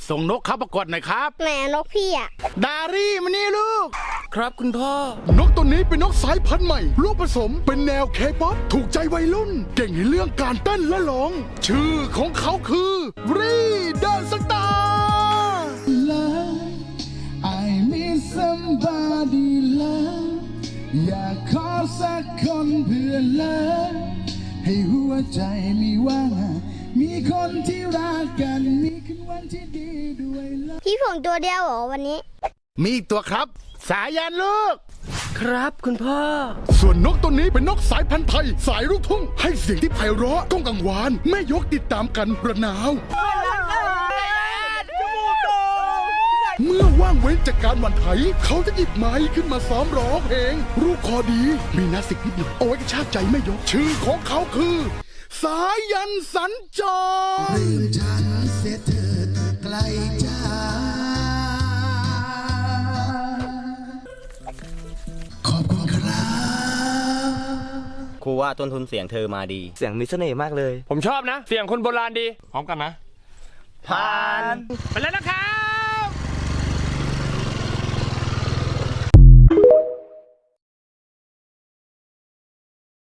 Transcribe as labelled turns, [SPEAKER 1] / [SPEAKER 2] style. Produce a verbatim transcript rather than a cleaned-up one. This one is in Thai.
[SPEAKER 1] ส่งนกเข้าประกวดหน่อยครับ
[SPEAKER 2] แหมนกพี่อะ
[SPEAKER 1] ดารี่มานี่ลูก
[SPEAKER 3] ครับคุณพ่อน
[SPEAKER 4] กตัวนี้เป็นนกสายพันธุ์ใหม่ลูกผสมเป็นแนวเคป๊อปถูกใจวัยรุ่นเก่งในเรื่องการเต้นและร้องชื่อของเขาคือรีเดนสตาร์
[SPEAKER 5] I miss somebody love อยากขอสักคนเพื่อเลิฟให้หัวใจมีว่างมีคนที่รักกันมีคืนวันที่ดีด้วยเลิฟ
[SPEAKER 2] พี่ผงตัวเดียวเหรอวันนี้
[SPEAKER 1] มีอีกตัวครับสายันลูก
[SPEAKER 3] ครับคุณพ่อ
[SPEAKER 4] ส่วนนกตัวนี้เป็นนกสายพันธุ์ไทยสายลูกทุ่งให้เสียงที่ไพเราะก้องกังวานแม่ยกติดตามกันระนาวเมื่อว่างเว้นจากการหว่านไถเขาจะหยิบไม้ขึ้นมาซ้อมร้องเพลงรูปคอดีมีนาสิกนิดหน่อยเอาไว้กระชากใจแม่ยกชื่อของเขาคือสายันสัญจรลืมฉันเสียเถิดไกลจ้าขอบคุณครับ
[SPEAKER 6] ครูว่าต้นทุนเสียงเธอมาดี
[SPEAKER 3] เสียงมีเสน่ห์มากเลย
[SPEAKER 7] ผมชอบนะเสียงคนโบราณดีพร้อมกันนะ
[SPEAKER 6] ผ่าน
[SPEAKER 7] ไปแล้วนะครับ